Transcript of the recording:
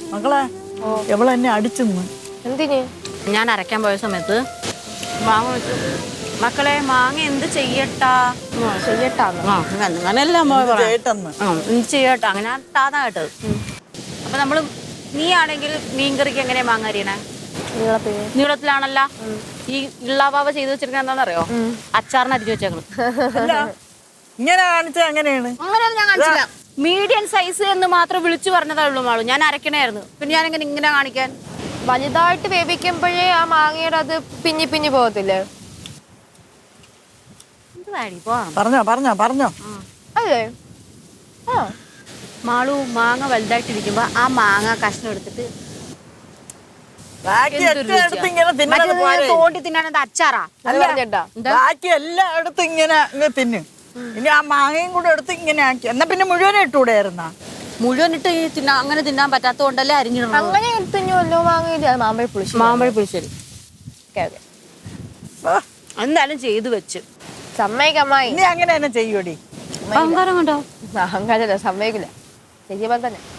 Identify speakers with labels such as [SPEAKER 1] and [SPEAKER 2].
[SPEAKER 1] മക്കളെ എവളെന്നെ അടിച്ചെന്ന്.
[SPEAKER 2] എന്തിന്?
[SPEAKER 3] ഞാൻ അരയ്ക്കാൻ പോയ സമയത്ത് മാങ്ങ വെച്ചു. മക്കളെ മാങ്ങ എന്ത് ചെയ്യട്ടാ?
[SPEAKER 2] ചെയ്യട്ടാന്ന്.
[SPEAKER 3] അങ്ങനെയല്ല
[SPEAKER 1] ചേട്ടെന്ന്.
[SPEAKER 3] എന്ത് ചെയ്യട്ടാ? അങ്ങനെ താതാ കേട്ടത്. അപ്പൊ നമ്മള് നീ ആണെങ്കിൽ മീൻകറിക്ക് എങ്ങനെയാ മാങ്ങ അരിയണേ? നീളത്തിലാണല്ല. ഈ ഇള്ളാവാവ ചെയ്ത് വെച്ചിരിക്കുന്നത് എന്താണെന്നറിയോ? അച്ചാറിന് അരിഞ്ഞു വെച്ചേക്കണം.
[SPEAKER 1] അല്ല ഇങ്ങനെ കാണിച്ച എങ്ങനെയാണ്?
[SPEAKER 3] അങ്ങനെയൊന്നും ഞാൻ കാണിച്ചില്ല. മീഡിയം സൈസ് എന്ന് മാത്രം വിളിച്ചു പറഞ്ഞതേ ഉള്ളൂ മാളു. ഞാൻ അരക്കണായിരുന്നു. പിന്നെ ഞാൻ ഇങ്ങനെ കാണിക്കാൻ.
[SPEAKER 2] വലുതായിട്ട് വേവിക്കുമ്പോഴേ ആ മാങ്ങയുടെ അത് പിഞ്ഞി പിഞ്ഞി പോകത്തില്ലേ?
[SPEAKER 1] പറഞ്ഞോ.
[SPEAKER 2] അല്ലേ? ആ
[SPEAKER 3] മാളു മാങ്ങ വലുതായിട്ടിരിക്കുമ്പോ ആ മാങ്ങ കഷ്ണം എടുത്തിട്ട് തോണ്ടി തിന്നാൻ അച്ചാറാ.
[SPEAKER 1] ബാക്കി എല്ലായിടത്തും ഇങ്ങനെ തിന്നും. ഇനി ആ മാങ്ങയും കൂടെ എടുത്ത് ഇങ്ങനെ ആക്കി. എന്നാ പിന്നെ മുഴുവനും ഇട്ടുകൂടെയായിരുന്ന?
[SPEAKER 3] മുഴുവൻ ഇട്ട് അങ്ങനെ തിന്നാൻ പറ്റാത്തത് കൊണ്ടല്ലേ അരിഞ്ഞിടണം.
[SPEAKER 2] അങ്ങനെ തിന്നുമല്ലോ മാങ്ങയില്ല. മാമ്പഴ പുളിശ്ശേരി.
[SPEAKER 3] എന്തായാലും ചെയ്തു വെച്ച്
[SPEAKER 2] സമ്മതിക്കമ്മായി.
[SPEAKER 1] നീ അങ്ങനെ തന്നെ ചെയ്യൂടി.
[SPEAKER 3] അഹങ്കാരം കണ്ടോ?
[SPEAKER 2] അഹങ്കാരല്ല, സമ്മതിക്കില്ല. ചെയ്യുമ്പോൾ തന്നെ